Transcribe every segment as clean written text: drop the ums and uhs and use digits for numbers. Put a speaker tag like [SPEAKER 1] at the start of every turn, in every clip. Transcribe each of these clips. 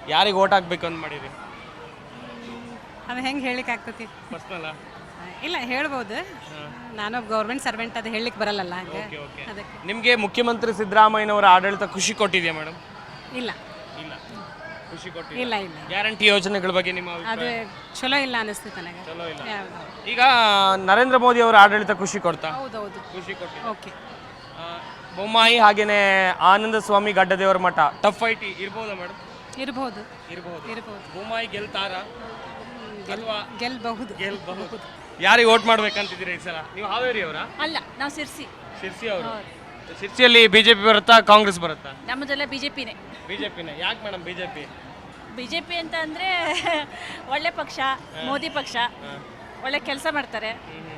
[SPEAKER 1] ಯಾರಿಗೆ ಓಟ್ ಹಾಕ್ಬೇಕು ಅಂತ ಮಾಡಿರಿ?
[SPEAKER 2] ಅದು ಹೆಂಗೆ ಹೇಳಿಕ್ಕೆ ಆಗ್ತತಿ?
[SPEAKER 1] ಪರ್ಸನಲ್ಲ?
[SPEAKER 2] ಇಲ್ಲ, ಹೇಳ್ಬೋದು. ನಾನೊಬ್ಬ ಗೌರ್ಮೆಂಟ್ ಸರ್ವೆಂಟ್, ಅದು ಹೇಳಲಿಕ್ಕೆ ಬರಲ್ಲ ಹಂಗೆ. ಅದಕ್ಕೆ
[SPEAKER 1] ನಿಮಗೆ ಮುಖ್ಯಮಂತ್ರಿ ಸಿದ್ದರಾಮಯ್ಯನವರ ಆಡಳಿತ ಖುಷಿ ಕೊಟ್ಟಿದೆಯಾ ಮೇಡಮ್?
[SPEAKER 2] ಇಲ್ಲ
[SPEAKER 1] ಇಲ್ಲ, ಖುಷಿ ಕೊಟ್ಟಿಲ್ಲ.
[SPEAKER 2] ಇಲ್ಲ ಇಲ್ಲ
[SPEAKER 1] ಗ್ಯಾರಂಟಿ ಯೋಜನೆಗಳ ಬಗ್ಗೆ ನಿಮ್ಮ
[SPEAKER 2] ಅದು
[SPEAKER 1] ಅಭಿಪ್ರಾಯ?
[SPEAKER 2] ಚಲೋ ಇಲ್ಲ ಅನಿಸ್ತು ನನಗೆ.
[SPEAKER 1] ಚಲೋ ಇಲ್ಲ.
[SPEAKER 2] ಯಾವ್ದು?
[SPEAKER 1] ಈಗ ನರೇಂದ್ರ ಮೋದಿ ಅವರ ಆಡಳಿತ ಖುಷಿ ಕೊಡ್ತಾ?
[SPEAKER 2] ಹೌದೌದು.
[SPEAKER 1] ಖುಷಿ ಕೊಟ್ಟಿಲ್ಲ.
[SPEAKER 2] ಓಕೆ.
[SPEAKER 1] ಬೊಮ್ಮಾಯಿ ಹಾಗೇನೆ ಆನಂದ ಸ್ವಾಮಿ ಗಡ್ಡದೇವರ ಮಠ ಟಫ್ ಫೈಟ್ ಇರ್ಬೋದಾ ಮೇಡಮ್?
[SPEAKER 2] ಇರ್ಬೋದು
[SPEAKER 1] ಇರ್ಬೋದು.
[SPEAKER 2] ಇರ್ಬೋದು.
[SPEAKER 1] ಬೊಮ್ಮಾಯಿ ಗೆಲ್ತಾರ ಅಥವಾ
[SPEAKER 2] ಗೆಲ್ಬಹುದು.
[SPEAKER 1] ಗೆಲ್ಬಹುದು? ಯಾರಿಗೆ ಓಟ್ ಮಾಡ್ಬೇಕಂತಿದ್ದೀರಿ ಈ ಸಲ? ನೀವು ಹಾವೇರಿ ಅವರಾ?
[SPEAKER 3] ಅಲ್ಲ, ನಾವು ಸಿರ್ಸಿ.
[SPEAKER 1] ಶಿರ್ಸಿ ಅವರು. ಶಿರ್ಸಿಯಲ್ಲಿ ಬಿಜೆಪಿ ಬರುತ್ತಾ ಕಾಂಗ್ರೆಸ್ ಬರುತ್ತಾ?
[SPEAKER 3] ನಮ್ಮದೆಲ್ಲ ಬಿಜೆಪಿನೇ.
[SPEAKER 1] ಬಿಜೆಪಿನೇ. ಯಾಕೆ ಮೇಡಮ್ ಬಿಜೆಪಿ?
[SPEAKER 3] ಬಿಜೆಪಿ ಅಂತ ಅಂದರೆ ಒಳ್ಳೆ ಪಕ್ಷ, ಮೋದಿ ಪಕ್ಷ, ಒಳ್ಳೆ ಕೆಲಸ ಮಾಡ್ತಾರೆ.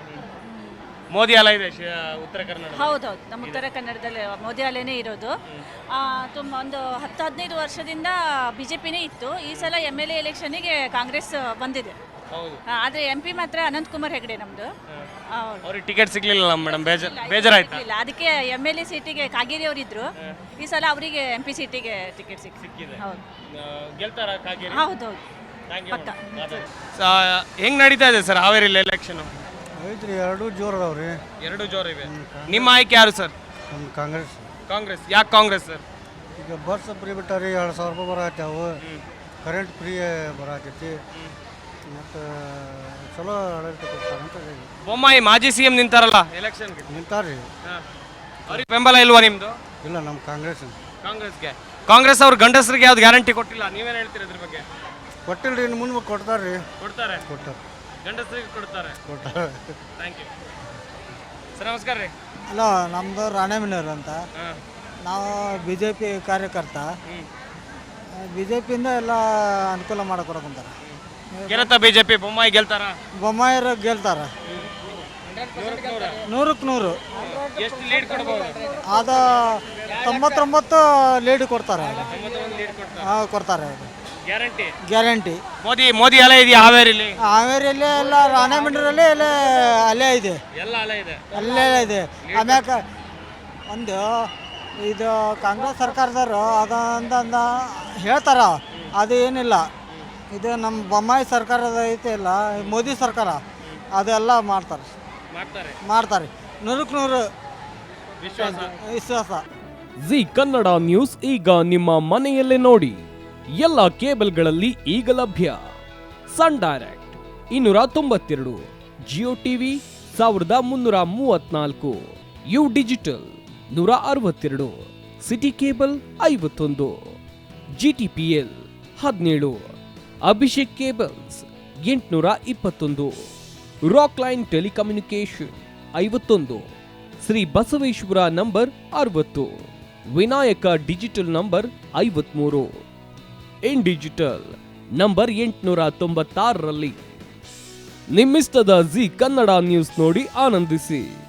[SPEAKER 1] ಮೋದಿ ಅಲ ಇದೆ ಉತ್ತರ ಕನ್ನಡ.
[SPEAKER 3] ಹೌದೌದು, ನಮ್ಮ ಉತ್ತರ ಕನ್ನಡದಲ್ಲಿ ಮೋದಿ ಅಲೆನೇ ಇರೋದು. ತುಂಬ ಒಂದು 10-15 ವರ್ಷದಿಂದ ಬಿಜೆಪಿನೇ ಇತ್ತು. ಈ ಸಲ MLA ಎಲೆಕ್ಷನ್ನಿಗೆ ಕಾಂಗ್ರೆಸ್ ಬಂದಿದೆ.
[SPEAKER 1] ಹೌದು.
[SPEAKER 3] ಆದರೆ MP ಮಾತ್ರ ಅನಂತಕುಮಾರ್ ಹೆಗಡೆ ನಮ್ಮದು.
[SPEAKER 1] ಅವ್ರಿಗೆ ಟಿಕೆಟ್ ಸಿಗ್ಲಿಲ್ಲ ಮೇಡಮ್, ಬೇಜಾರಾಯ್ತಾ?
[SPEAKER 3] ಇಲ್ಲ, ಅದಕ್ಕೆ MLA ಸೀಟಿಗೆ ಕಾಗೇರಿ ಅವರಿದ್ರು. ಈ ಸಲ ಅವರಿಗೆ MP ಸೀಟಿಗೆ ಟಿಕೆಟ್ ಸಿಕ್ಕಿದೆ. ಹೌದು,
[SPEAKER 1] ಗೆಲ್ತಾರ ಕಾಗೇರಿ?
[SPEAKER 3] ಹೌದೌದು, ಪಕ್ಕ.
[SPEAKER 1] ಹೆಂಗ್ ನಡೀತಾ ಇದೆ ಸರ್ ಹಾವೇರಿಲಿ ಎಲೆಕ್ಷನ್?
[SPEAKER 4] ಐತ್ರಿ, ಎರಡು ಜೋರು ಅದಾವ್ರಿ.
[SPEAKER 1] ಎರಡು ಜೋರು ಇವೆ. ನಿಮ್ಮ ಆಯ್ಕೆ ಯಾರು ಸರ್?
[SPEAKER 4] ನಮ್ಮ ಕಾಂಗ್ರೆಸ್.
[SPEAKER 1] ಕಾಂಗ್ರೆಸ್. ಯಾಕೆ ಕಾಂಗ್ರೆಸ್ ಸರ್?
[SPEAKER 4] ಈಗ ಬಸ್ ಫ್ರೀ ಬಿಟ್ಟಾರಿ, 2,000 ರೂಪಾಯಿ ಬರತ್ತವು. ಕರೆಂಟ್ ಫ್ರೀ ಬರತೈತಿ. ಮತ್ತು ಚಲೋ ಆಡಳಿತ ಕೊಡ್ತಾರೆ ಅಂತ ಹೇಳಿ.
[SPEAKER 1] ಬೊಮ್ಮಾಯಿ ಮಾಜಿ CM ನಿಂತಾರಲ್ಲ ಎಲೆಕ್ಷನ್ಗೆ?
[SPEAKER 4] ನಿಂತಾರ್ರಿ.
[SPEAKER 1] ಅವ್ರಿಗೆ ಬೆಂಬಲ ಇಲ್ವಾ ನಿಮ್ದು?
[SPEAKER 4] ಇಲ್ಲ, ನಮ್ಮ ಕಾಂಗ್ರೆಸ್.
[SPEAKER 1] ಕಾಂಗ್ರೆಸ್ಗೆ. ಕಾಂಗ್ರೆಸ್ ಅವ್ರ ಗಂಡಸರಿಗೆ ಯಾವ್ದು ಗ್ಯಾರಂಟಿ ಕೊಟ್ಟಿಲ್ಲ, ನೀವೇನು ಹೇಳ್ತೀರಿ ಅದ್ರ ಬಗ್ಗೆ?
[SPEAKER 4] ಕೊಟ್ಟಿಲ್ರಿ, ಇನ್ನು ಮುಂದೆ ಕೊಡ್ತಾರ್ರಿ.
[SPEAKER 1] ಕೊಡ್ತಾರೆ.
[SPEAKER 4] ಕೊಟ್ಟಾರೆ.
[SPEAKER 1] ಗಂಡಸರಿಗೆ ಕೊಡ್ತಾರೆ. Thank you sir. ನಮಸ್ಕಾರ ರೀ.
[SPEAKER 5] ಅಲ್ಲ, ನಮ್ಮದು ರಾಣೆಬೆನ್ನೂರು ಅಂತ. ನಾವು BJP ಕಾರ್ಯಕರ್ತ. BJPಯಿಂದ ಎಲ್ಲ ಅನುಕೂಲ ಮಾಡಿಕೊಡಕಂತಾರೆ.
[SPEAKER 1] ಗೆಲ್ಲತ್ತಾ ಬಿಜೆಪಿ? ಬೊಮ್ಮಾಯಿ ಗೆಲ್ತಾರ?
[SPEAKER 5] ಬೊಮ್ಮಾಯಿರು ಗೆಲ್ತಾರೆ 100ಕ್ಕೆ 100.
[SPEAKER 1] ಎಷ್ಟು ಲೀಡ್ ಕೊಡ್ಬೋದು?
[SPEAKER 5] ಅದು 99 ಲೀಡ್ ಕೊಡ್ತಾರೆ. ಕೊಡ್ತಾರೆ,
[SPEAKER 1] ಗ್ಯಾರಂಟಿ.
[SPEAKER 5] ಗ್ಯಾರಂಟಿ.
[SPEAKER 1] ಮೋದಿ ಅಲೆ ಇದೆಯಾ ಹಾವೇರಿಲಿ?
[SPEAKER 5] ಹಾವೇರಿಯಲ್ಲಿ ಎಲ್ಲ ರಾಣೆಬೆನ್ನೂರಲ್ಲಿ ಎಲ್ಲ ಅಲ್ಲೇ ಇದೆ.
[SPEAKER 1] ಎಲ್ಲ ಅಲೆ ಇದೆ.
[SPEAKER 5] ಅಲ್ಲೇ ಇದೆ. ಆಮ್ಯಾಕ ಒಂದು ಇದು ಕಾಂಗ್ರೆಸ್ ಸರ್ಕಾರದವರು ಅದಂದ ಹೇಳ್ತಾರ, ಅದು ಏನಿಲ್ಲ. ಇದು ನಮ್ಮ ಬೊಮ್ಮಾಯಿ ಸರ್ಕಾರದ ಐತೆ ಇಲ್ಲ, ಮೋದಿ ಸರ್ಕಾರ ಅದೆಲ್ಲ ಮಾಡ್ತಾರೆ. 100ಕ್ಕೆ 100 ವಿಶ್ವಾಸ.
[SPEAKER 6] ಜಿ ಕನ್ನಡ ನ್ಯೂಸ್ ಈಗ ನಿಮ್ಮ ಮನೆಯಲ್ಲೇ ನೋಡಿ. ಎಲ್ಲ ಕೇಬಲ್ಗಳಲ್ಲಿ ಈಗ ಲಭ್ಯ. Sun direct 292, Jio TV 1334, U digital 162, city cable 51, GTPL 17, Abhishek cables 821, rock line telecommunication 51, Shri Basaveshwara number 60, Vinayaka digital number 53, in digital number 896ರಲ್ಲಿ. ನಿಮ್ಮಿಸ್ತದ ಜಿ ಕನ್ನಡ ನ್ಯೂಸ್ ನೋಡಿ ಆನಂದಿಸಿ.